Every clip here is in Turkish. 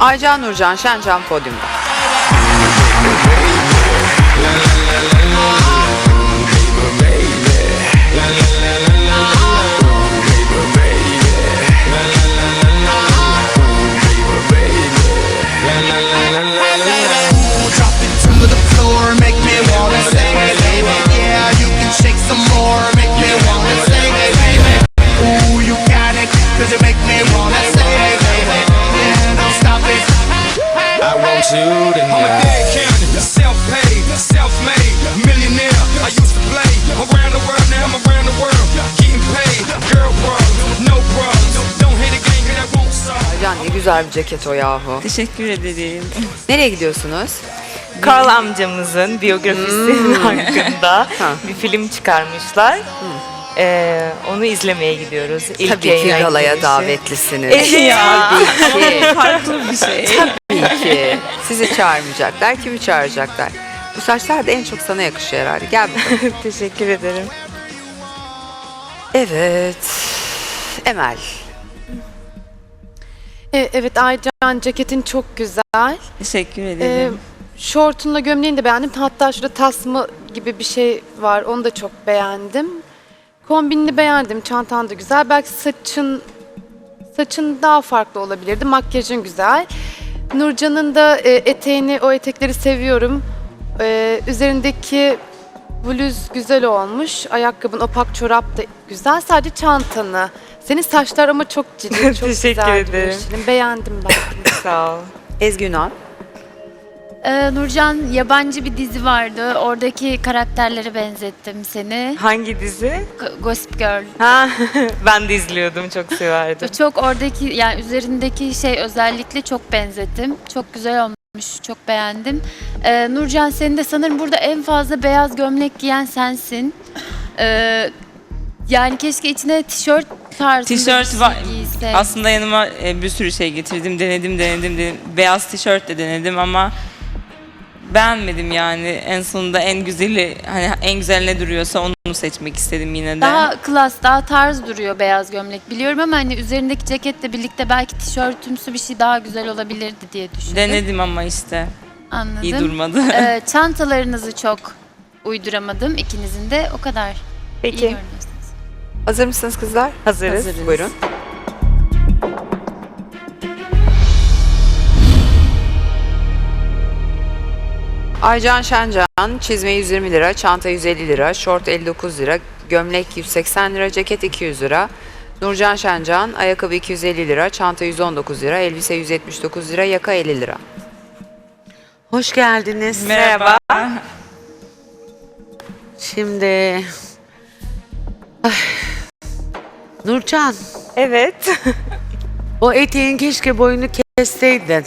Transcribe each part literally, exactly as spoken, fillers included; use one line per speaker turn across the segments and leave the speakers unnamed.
Aycan Nurcan Şencan podyumda. Aycan ne güzel bir ceket o yahu.
Teşekkür ederim.
Nereye gidiyorsunuz?
Karl amcamızın biyografisi
Hmm.
hakkında
Ha.
bir film çıkarmışlar. Ee, onu izlemeye gidiyoruz. İlk
Tabii ki
yayına
galaya
girişi.
davetlisiniz.
Evet ya.
Tabii ki.
Farklı bir şey.
Tabii ki. Sizi çağırmayacaklar. Kimi çağıracaklar? Bu saçlar da en çok sana yakışıyor herhalde. Gel bakalım.
Teşekkür ederim.
Evet. Emel.
E, Evet Aycan, ceketin çok güzel.
Teşekkür
E,
ederim.
şortunla gömleğini de beğendim. Hatta şurada tasma gibi bir şey var. Onu da çok beğendim. Kombinini beğendim. Çantan da güzel. Belki saçın saçın daha farklı olabilirdi. Makyajın güzel. Nurcan'ın da e, eteğini, o etekleri seviyorum. E, üzerindeki bluz güzel olmuş. Ayakkabın, opak çorap da güzel. Sadece çantanı. Senin saçlar ama çok ciddi, çok
Teşekkür
güzel
ederim.
duruyor Şirin. Beğendim ben.
Sağ ol.
Ezgi Ünal.
Ee, Nurcan, yabancı bir dizi vardı. Oradaki karakterlere benzettim seni.
Hangi dizi?
G- Gossip Girl.
Ha, ben de izliyordum, çok severdim.
Çok oradaki, yani üzerindeki şey özellikle çok benzettim. Çok güzel olmuş, çok beğendim. Ee, Nurcan, senin de sanırım burada en fazla beyaz gömlek giyen sensin. Ee, yani keşke içine tişört tarzında bir
Tişört
şey
var.
giysen.
Aslında yanıma e, bir sürü şey getirdim. Denedim, denedim, denedim. Beyaz tişört de denedim ama beğenmedim yani. En sonunda en güzeli, hani en güzel ne duruyorsa onu seçmek istedim yine de.
Daha klas, daha tarz duruyor beyaz gömlek. Biliyorum ama hani üzerindeki ceketle birlikte belki tişörtümsü bir şey daha güzel olabilirdi diye düşündüm.
Denedim ama işte
Anladım.
iyi durmadı.
Ee, çantalarınızı çok uyduramadım ikinizin de, o kadar. İyi
Peki,
görünüyorsunuz.
Hazır mısınız kızlar?
hazırız.
Buyurun. Aycan Şencan, çizme yüz yirmi lira, çanta yüz elli lira, şort elli dokuz lira, gömlek yüz seksen lira, ceket iki yüz lira. Nurcan Şencan, ayakkabı iki yüz elli lira, çanta yüz on dokuz lira, elbise yüz yetmiş dokuz lira, yaka elli lira.
Hoş geldiniz.
Merhaba.
Şimdi Ay. Nurcan,
Evet.
o eteğin keşke boyunu kesseydin.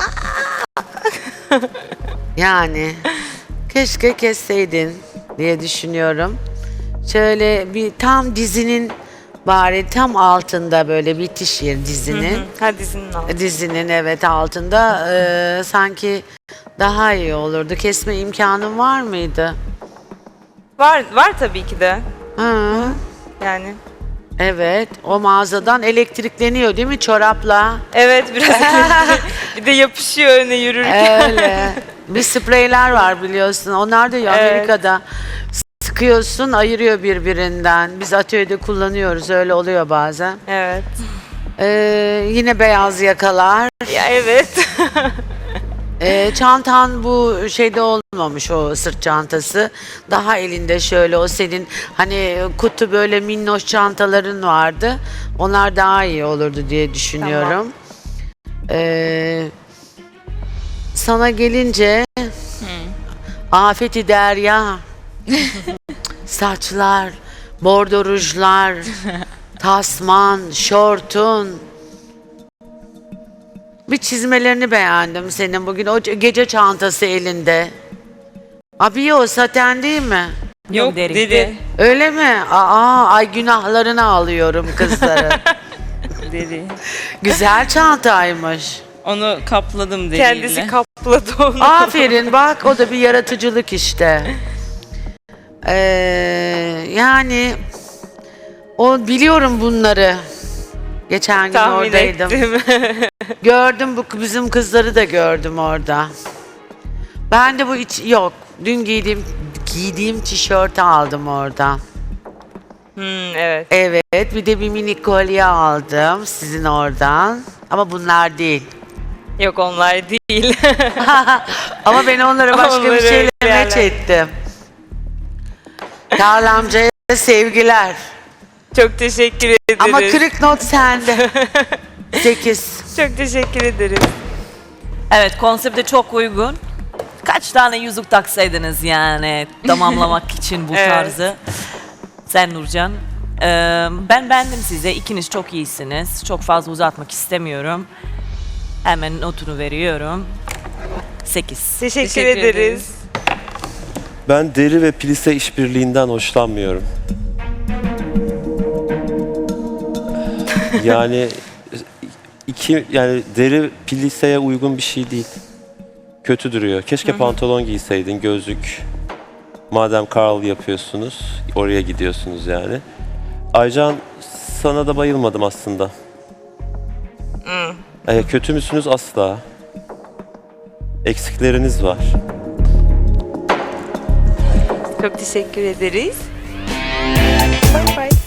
Yani keşke kesseydin diye düşünüyorum. Şöyle bir tam dizinin bari tam altında böyle bitiş yeri dizinin.
Ha, dizinin altı.
Dizinin evet altında eee, sanki daha iyi olurdu. Kesme imkanın var mıydı?
Var, var tabii ki de.
Hı.
Yani.
Evet, o mağazadan elektrikleniyor değil mi çorapla?
Evet, biraz bir de yapışıyor öne yürürken.
Öyle. Bir spreyler var biliyorsun. Onlar da ya
Evet.
Amerika'da sıkıyorsun, ayırıyor birbirinden. Biz atölyede kullanıyoruz. Öyle oluyor bazen.
Evet.
Ee, yine beyaz yakalar.
Ya evet.
Ee, çantan bu şeyde olmamış, o sırt çantası. Daha elinde şöyle o senin hani kutu böyle minnoş çantaların vardı. Onlar daha iyi olurdu diye düşünüyorum. Ee, sana gelince afeti derya, saçlar, bordo rujlar, tasman, şortun. Bir çizmelerini beğendim senin bugün. O ce- gece çantası elinde. Abi o saten değil mi?
Yok deri.
Öyle mi? Aa, ay günahlarını alıyorum kızları.
Deri.
Güzel çantaymış.
Onu kapladım deriyle.
Kendisi kapladı onu.
Aferin bak, o da bir yaratıcılık işte. Ee, yani o biliyorum bunları. Geçen gün
Tahmin
oradaydım.
ettim.
Gördüm bu bizim kızları da gördüm orada. Ben de bu iç yok. Dün giydiğim giydiğim tişörtü aldım orada.
Hmm, evet.
Evet, bir de bir mini kolye aldım sizin oradan. Ama bunlar değil.
Yok onlar değil.
Ama ben onlara başka
Onları
bir şeyle
öyle
meç
yerler.
ettim. Karl amcaya sevgiler.
Çok teşekkür ederiz.
Ama kırık not sende. Sekiz.
Çok teşekkür ederiz.
Evet, konsepte çok uygun. Kaç tane yüzük taksaydınız yani tamamlamak için bu
Evet.
tarzı. Sen Nurcan. Ee, ben beğendim size. İkiniz çok iyisiniz. Çok fazla uzatmak istemiyorum. Hemen notunu veriyorum. Sekiz.
Teşekkür,
Teşekkür
ederiz.
ederiz.
Ben deri ve plise işbirliğinden hoşlanmıyorum. Yani iki yani deri pliseye uygun bir şey değil. Kötü duruyor. Keşke pantolon giyseydin, gözlük. Madem Karl yapıyorsunuz, oraya gidiyorsunuz yani. Aycan, sana da bayılmadım aslında. Ee, kötü müsünüz? Asla. Eksikleriniz var.
Çok teşekkür ederiz. Bye bye.